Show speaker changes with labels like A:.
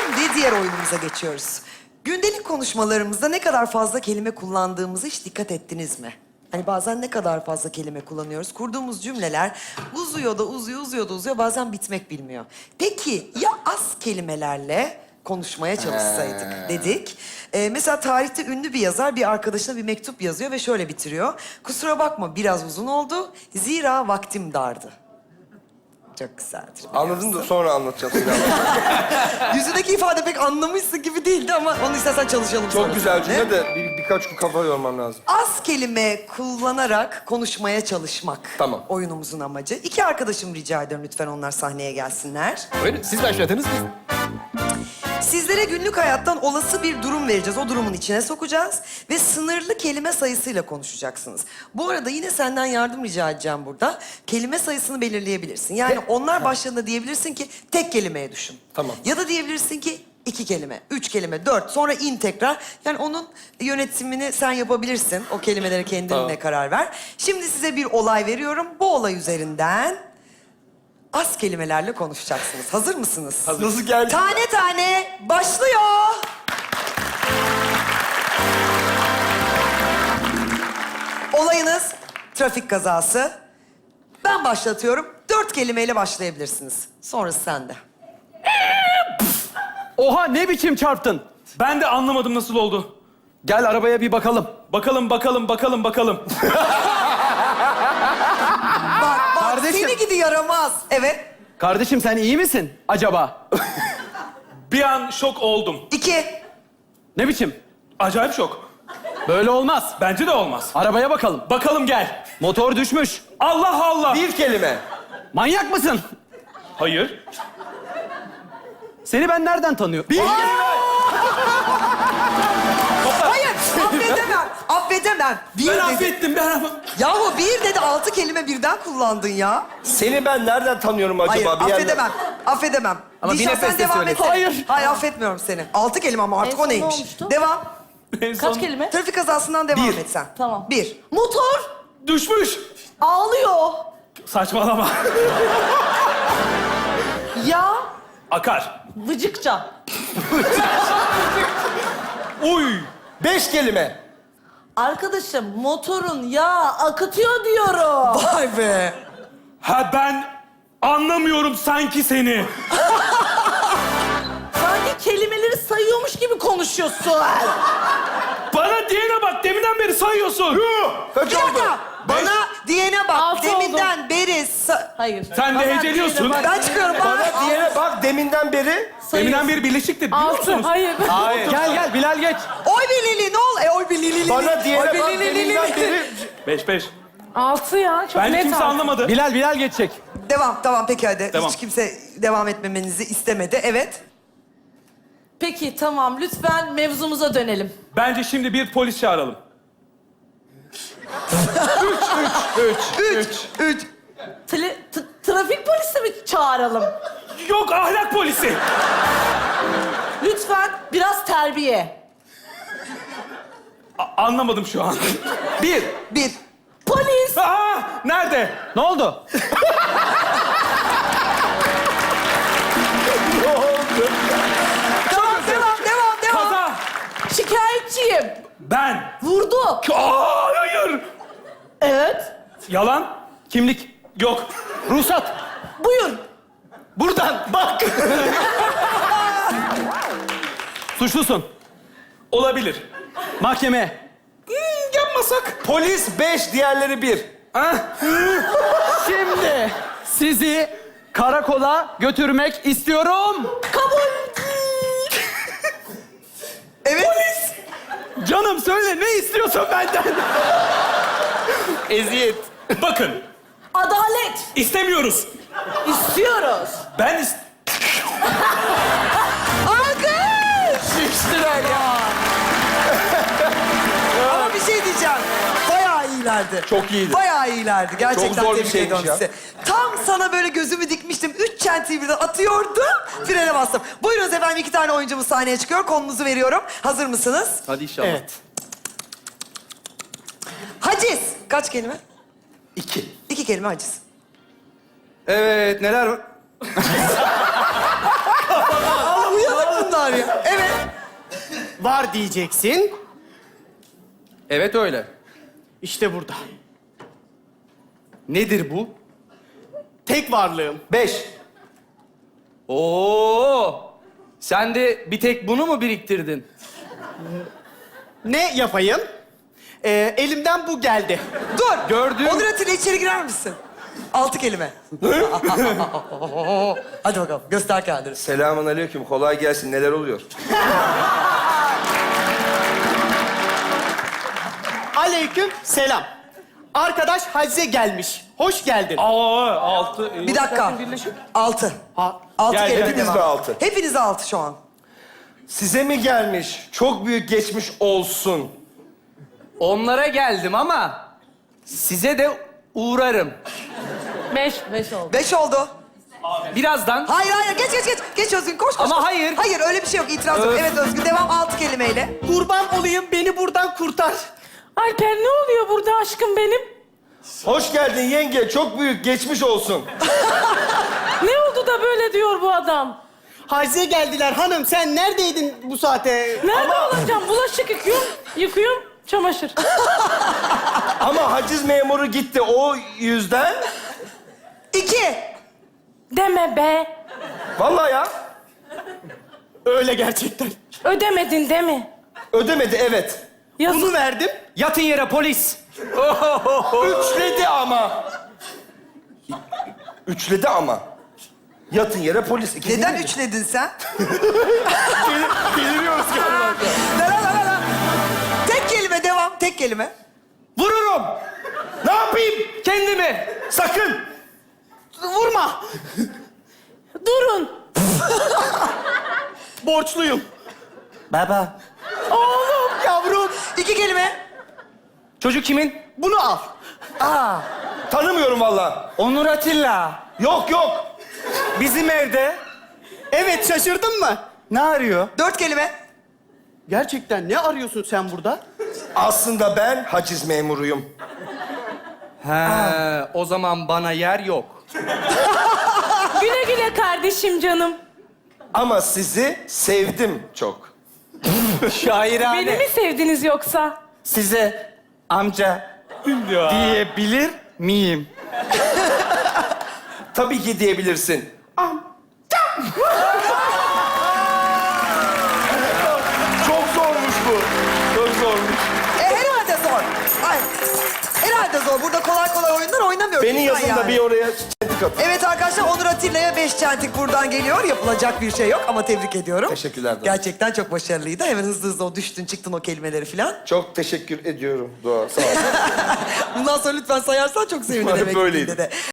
A: Şimdi diğer oyunumuza geçiyoruz. Gündelik konuşmalarımızda ne kadar fazla kelime kullandığımızı hiç dikkat ettiniz mi? Hani bazen ne kadar fazla kelime kullanıyoruz. Kurduğumuz cümleler uzuyor da uzuyor, uzuyor da uzuyor. Bazen bitmek bilmiyor. Peki ya az kelimelerle konuşmaya çalışsaydık dedik. Mesela tarihte ünlü bir yazar bir arkadaşına bir mektup yazıyor ve şöyle bitiriyor. Kusura bakma biraz uzun oldu. Zira vaktim dardı. Çok güzeldir.
B: Anladın da sonra anlatacağım seni.
A: Yüzündeki ifade pek anlamışsın gibi değildi ama onu istersen çalışalım sonra.
B: Çok güzel cümle de birkaç gün kafa yormam lazım.
A: Az kelime kullanarak konuşmaya çalışmak.
B: Tamam.
A: Oyunumuzun amacı. İki arkadaşım rica ediyorum lütfen onlar sahneye gelsinler.
C: Buyurun, siz başladınız mı?
A: Sizlere günlük hayattan olası bir durum vereceğiz. O durumun içine sokacağız ve sınırlı kelime sayısıyla konuşacaksınız. Bu arada yine senden yardım rica edeceğim burada. Kelime sayısını belirleyebilirsin. Yani onlar başladığında diyebilirsin ki tek kelimeye düşün.
B: Tamam.
A: Ya da diyebilirsin ki 2 kelime, 3 kelime, 4. Sonra in tekrar. Yani onun yönetimini sen yapabilirsin. O kelimelere kendine karar ver. Şimdi size bir olay veriyorum. Bu olay üzerinden az kelimelerle konuşacaksınız. Hazır mısınız?
B: Nasıl geldi?
A: Tane tane başlıyor. Olayınız trafik kazası. Ben başlatıyorum. 4 kelimeyle başlayabilirsiniz. Sonrası sende.
C: Oha, ne biçim çarptın?
D: Ben de anlamadım nasıl oldu.
C: Gel arabaya bir bakalım.
D: Bakalım.
A: Bak
C: Kardeşim.
A: seni gidi yaramaz. Evet.
C: Kardeşim sen iyi misin acaba?
D: Bir an şok oldum.
A: 2.
C: Ne biçim?
D: Acayip şok.
C: Böyle olmaz.
D: Bence de olmaz.
C: Arabaya bakalım.
D: Bakalım gel.
C: Motor düşmüş.
D: Allah Allah.
B: Bir kelime.
C: Manyak mısın?
D: Hayır.
C: Seni ben nereden tanıyorum?
A: Hayır affedemem. Affedemem. Bir
D: Ben
A: dedi.
D: affettim.
A: Yahu bir dedi 6 kelime birden kullandın ya.
B: Seni ben nereden tanıyorum acaba?
A: Hayır
B: Bir yerden-
A: affedemem. Affedemem.
C: Ama bir
A: Dişan, sen
C: nefeste
A: devam
C: söyle.
A: etsene.
C: Hayır.
A: Hayır affetmiyorum seni. 6 kelime ama artık
E: En
A: o
E: son ne
A: neymiş?
E: olmuştu?
A: Devam.
D: En
E: Kaç
D: son
E: kelime?
A: Trafik kazasından devam et sen.
E: Tamam.
A: 1.
E: Motor
D: düşmüş.
E: ağlıyor.
D: Saçmalama.
E: Ya
D: Akar.
E: vıcıkça.
D: Uy.
B: 5 kelime.
E: Arkadaşım motorun yağı akıtıyor diyorum.
A: Vay be.
D: Ha ben anlamıyorum sanki seni.
E: Sanki kelimeleri sayıyormuş gibi konuşuyorsun.
D: Bana diyene bak deminden beri sayıyorsun.
B: Kaç
A: Bir
B: oldu?
A: dakika. Bana diyene bak.
E: 6
A: Deminden beri...
E: Hayır.
D: Sen de
E: Bana
D: heceliyorsun.
E: diyene bak.
A: Ben çıkıyorum.
B: Bana diyene bak deminden beri.
D: Deminden beri birleşiktir biliyor musunuz?
E: Hayır.
B: Hayır.
C: Gel Bilal geç.
A: Oy bilili ne ol? Oy bilili.
B: Bana diyene
A: Oy
B: bak
A: bilili.
B: deminden beri.
D: 5.
E: 6 ya. Çok
D: Bence kimse anlamadı.
C: Bilal geçecek.
A: Devam tamam peki hadi.
D: Devam.
A: Hiç kimse devam etmemenizi istemedi. Evet.
E: Peki tamam lütfen mevzumuza dönelim.
D: Bence şimdi bir polis çağıralım.
A: 3.
E: Trafik polisi mi çağıralım?
D: Yok ahlak polisi.
E: Lütfen biraz terbiye.
D: Anlamadım şu an.
A: 1.
E: Polis.
D: Aa, nerede?
C: Ne oldu?
A: Devam.
D: Kaza.
E: Şikayetçiyim.
D: Ben.
E: Vurdu.
D: Aa, hayır.
E: Evet.
D: Yalan.
C: Kimlik.
D: Yok.
C: Ruhsat.
E: Buyur.
C: Buradan bak. Suçlusun.
D: Olabilir.
C: Mahkeme.
D: Yapmasak.
B: Polis 5, diğerleri 1.
D: Ha?
C: Şimdi sizi karakola götürmek istiyorum.
E: Kabul.
A: Evet.
C: Canım söyle ne istiyorsun benden?
B: Eziyet.
D: Bakın.
E: Adalet.
D: İstemiyoruz.
E: İstiyoruz.
D: Ben
B: Şiştiler ya.
A: Ama bir şey diyeceğim. Bayağı iyilerdi.
B: Çok iyiydi.
A: Bayağı iyilerdi. Gerçekten
B: Çok zor bir
A: tebrik
B: şeymiş
A: ediyorum
B: ya.
A: sizi. Tam sana böyle gözümü dikmiştim. 3 çentiyi birden atıyordum. Frene bastım. Buyurunuz efendim 2 tane oyuncumuz sahneye çıkıyor. Konunuzu veriyorum. Hazır mısınız?
C: Hadi inşallah.
A: Evet. Haciz. Kaç kelime?
B: 2.
A: 2 kelime haciz.
B: Evet, neler var?
A: Uyanık bunlar. var ya? Evet.
C: Var diyeceksin.
D: Evet öyle.
C: İşte burada.
D: Nedir bu?
C: Tek varlığım.
B: 5.
D: Oo! Sen de bir tek bunu mu biriktirdin?
C: Ne yapayım? Elimden bu geldi.
A: Dur.
D: Gördüğüm-
A: Onur Atilla içeri girer misin? 6 kelime. Hadi bakalım göster kendini.
B: Selamun aleyküm. Kolay gelsin. Neler oluyor?
C: Aleyküm selam. Arkadaş Hacize gelmiş. Hoş geldin.
D: Aa, altı.
A: Bir dakika. 6.
C: Ha,
A: 6
D: Gel,
A: kelime
B: hepiniz
A: devam.
B: mi altı?
A: Hepiniz 6 şu an.
B: Size mi gelmiş? Çok büyük geçmiş olsun.
D: Onlara geldim ama size de uğrarım.
E: 5 oldu.
A: 5 oldu.
D: Birazdan.
A: Hayır hayır geç geç geç. Geç Özgün koş koş.
D: Ama
A: koş.
D: hayır.
A: Hayır öyle bir şey yok itiraz yok.
D: Öf.
A: Evet Özgün devam 6 kelimeyle.
C: kurban olayım, beni buradan kurtar.
E: Alper ne oluyor burada aşkım benim?
B: Hoş geldin yenge. Çok büyük geçmiş olsun.
E: Ne oldu da böyle diyor bu adam?
C: Hacize geldiler hanım. Sen neredeydin bu saate?
E: Nerede olacağım? Bulaşık yıkıyorum, çamaşır.
B: Ama haciz memuru gitti. O yüzden...
A: 2.
E: Deme be.
B: Vallahi ya.
C: Öyle gerçekten.
E: Ödemedin değil mi?
B: Ödemedi evet.
E: Yazık.
C: Bunu verdim.
D: Yatın yere polis.
B: Üçledi ama. Üçledi ama. Yatın yere polis. İkisini
A: Neden
B: de-
A: üçledin sen?
B: Deliriyoruz galiba.
A: La la la la la. Tek kelime devam. Tek kelime.
B: Vururum. Ne yapayım?
D: Kendimi.
B: Sakın.
C: Vurma.
E: Durun.
C: Borçluyum.
B: Baba.
C: Oğlum, yavrum.
A: 2 kelime.
D: Çocuk kimin?
C: Bunu al.
B: Tanımıyorum vallahi.
D: Onur Atilla.
B: Yok yok.
D: Bizim evde.
C: Evet, şaşırdın mı?
D: Ne arıyor?
A: 4 kelime.
C: Gerçekten ne arıyorsun sen burada?
B: Aslında ben haciz memuruyum.
D: He, o zaman bana yer yok.
E: Güle güle kardeşim canım.
B: Ama sizi sevdim çok.
D: Şairane.
E: Beni mi sevdiniz yoksa?
D: Size amca diyebilir miyim?
B: Tabii ki diyebilirsin. Çok zormuş bu. Çok zormuş.
A: Herhalde zor. Ay. Herhalde zor. Burada kolay kolay oyunlar oynamıyoruz.
B: Beni
A: lütfen
B: yazın da bir oraya çentik atın.
A: Evet arkadaşlar Onur Atilla'ya 5 çentik buradan geliyor. Yapılacak bir şey yok ama tebrik ediyorum.
B: Teşekkürler Doğa.
A: Gerçekten çok başarılıydı. Hemen hızlı hızlı o düştün çıktın o kelimeleri falan.
B: Çok teşekkür ediyorum Doğa. Sağ ol.
A: Bundan sonra lütfen sayarsan çok sevinirim.
B: Umarım
A: eve
B: böyleydi.
A: gittiğinde de.